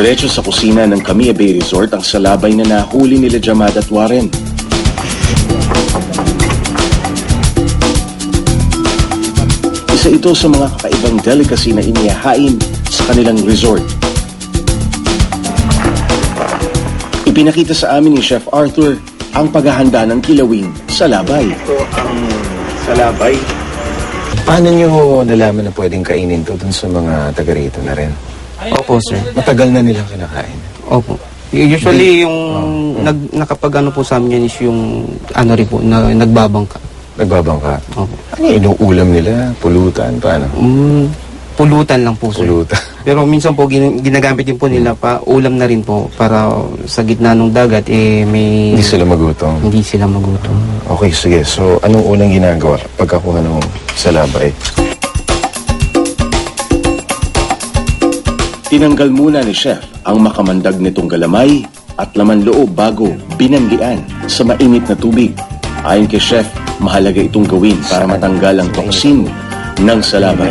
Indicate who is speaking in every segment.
Speaker 1: Diretso sa kusina ng Camilla Bay Resort ang salabay na nahuli nila Jamad at Warren. Isa ito sa mga kakaibang delicacy na inihahain sa kanilang resort. Ipinakita sa amin ni Chef Arthur ang paghahanda ng kilawing salabay.
Speaker 2: Ito ang salabay.
Speaker 3: Paano nyo nalaman na pwedeng kainin to dun sa mga taga rito na rin?
Speaker 4: Opo, sir.
Speaker 3: Matagal na nilang kinakain.
Speaker 4: Opo. Usually, yung nakapag ano po sa amin yan is yung ano rin po, na nagbabangka.
Speaker 3: Nagbabangka?
Speaker 4: Opo.
Speaker 3: Ano yung inuulam nila? Pulutan? Paano?
Speaker 4: Pulutan lang po, sir.
Speaker 3: Pulutan.
Speaker 4: Pero minsan po, ginagamit din po nila pa, ulam na rin po, para sa gitna ng dagat, may...
Speaker 3: Hindi sila magutom?
Speaker 4: Hindi sila magutom.
Speaker 3: Okay, sige. So, anong unang ginagawa pagkakuha ng salabay?
Speaker 1: Tinanggal muna ni Chef ang makamandag nitong galamay at laman loob bago binanggian sa mainit na tubig. Ayon kay Chef, mahalaga itong gawin para matanggal ang toksin ng salabay.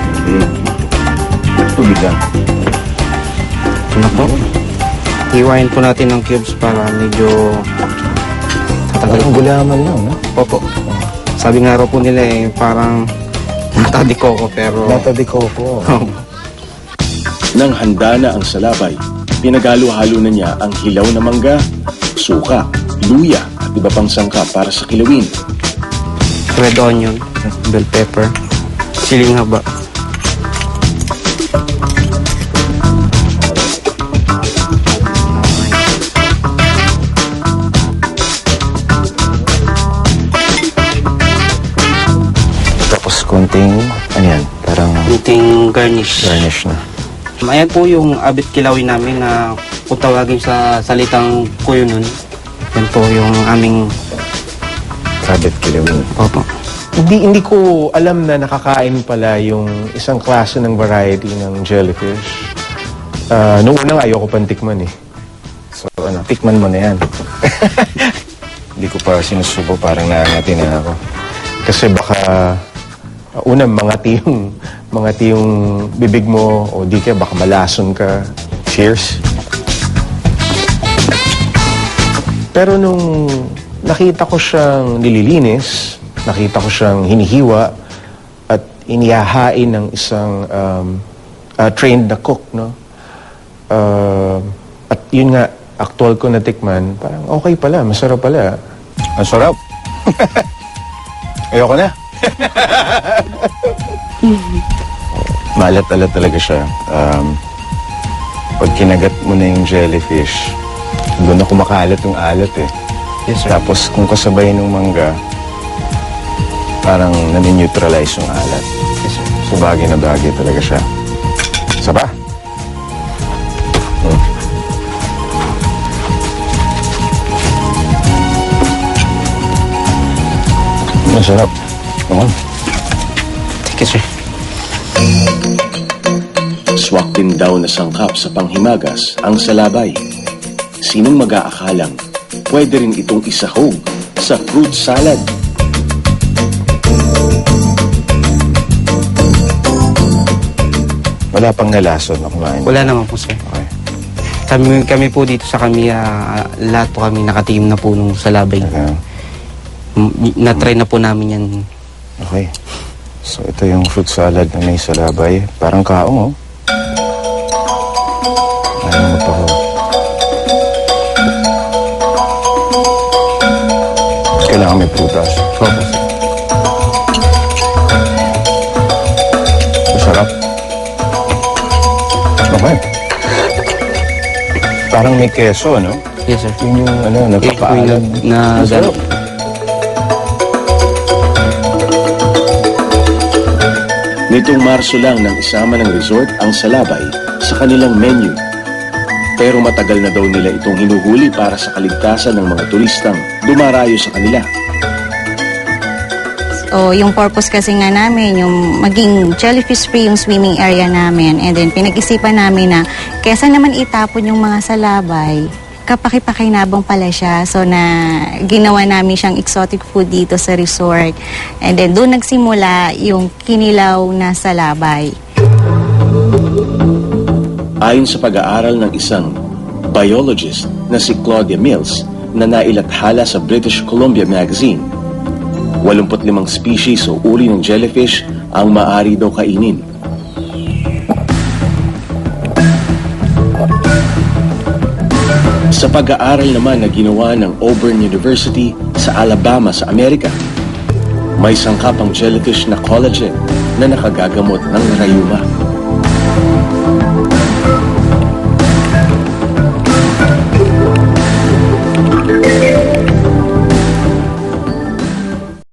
Speaker 3: Tubig lang.
Speaker 4: Ano po? Hiwain po natin ng cubes para medyo tatagal.
Speaker 3: Ang gulaman lang, no?
Speaker 4: Opo. Sabi nga raw po nila parang mata di coco, pero...
Speaker 3: Mata di coco.
Speaker 1: Nang handa na ang salabay, pinagalo-halo na niya ang hilaw na mangga, suka, luya at iba pang sangkap para sa kilawin.
Speaker 4: Red onion, bell pepper, siling haba.
Speaker 3: Tapos konting, ano yan? Parang
Speaker 4: Kunting garnish.
Speaker 3: garnish na.
Speaker 4: Ayan po yung abit kilawin namin na kung tawagin sa salitang kuyo nun. Yan po yung aming...
Speaker 3: Sabit kilawin.
Speaker 4: Opo.
Speaker 5: Hindi ko alam na nakakain pala yung isang klase ng variety ng jellyfish. Noong unang ayoko pang tikman eh.
Speaker 3: So, ano, tikman mo na yan. Hindi ko pa sinusubo, parang naangati na ako.
Speaker 5: Kasi baka unang mangati yung bibig mo o di ka baka malason ka. Cheers. Pero nung nakita ko siyang nililinis, nakita ko siyang hinihiwa at inihahain ng isang trained na cook, no? At yun nga, actual ko natikman, parang okay pala, masarap pala.
Speaker 3: Ang sarap. Ayoko na. Maalat-alat talaga siya. Pag kinagat mo na yung jellyfish, doon na kumakalat yung alat eh.
Speaker 4: Yes, sir.
Speaker 3: Tapos kung kasabay ng mangga, parang nani-neutralize yung alat.
Speaker 4: Yes, sir.
Speaker 3: So bagay na bagay talaga siya. Isa pa? Masarap. Come on.
Speaker 4: Thank you, sir.
Speaker 1: Swak din daw na sangkap sa panghimagas ang salabay. Sinong mag-aakalang pwede rin itong isahog sa fruit salad?
Speaker 3: Wala pang nalason na kumain.
Speaker 4: Wala naman po, sir.
Speaker 3: Okay.
Speaker 4: Kami po dito sa lahat po kami nakatingin na po nung salabay.
Speaker 3: Okay.
Speaker 4: Na-try na po namin yan.
Speaker 3: Okay. So ito yung fruit salad na may salabay. Parang kaong, oh. Ayaw mo pa ko. Kailangan may prutas.
Speaker 4: Opo, sir.
Speaker 3: Masarap. Okay. Parang may keso, no?
Speaker 4: Yes, sir.
Speaker 3: Yun yung, nagpapaalam. Masarap.
Speaker 1: Nitong Marso lang nang isama ng resort ang salabay sa kanilang menu. Pero matagal na daw nila itong hinuhuli para sa kaligtasan ng mga turistang dumarayo sa kanila.
Speaker 6: O yung purpose kasi nga namin, yung maging jellyfish free yung swimming area namin. And then pinag-isipan namin na kesa naman itapon yung mga salabay, kapakipakinabang pala siya. So na ginawa namin siyang exotic food dito sa resort. And then doon nagsimula yung kinilaw na salabay.
Speaker 1: Ayon sa pag-aaral ng isang biologist na si Claudia Mills na nailathala sa British Columbia Magazine, 85 species o uri ng jellyfish ang maaari daw kainin. Sa pag-aaral naman na ginawa ng Auburn University sa Alabama sa Amerika, may sangkap ang jellyfish na collagen na nakagagamot ng rayuma.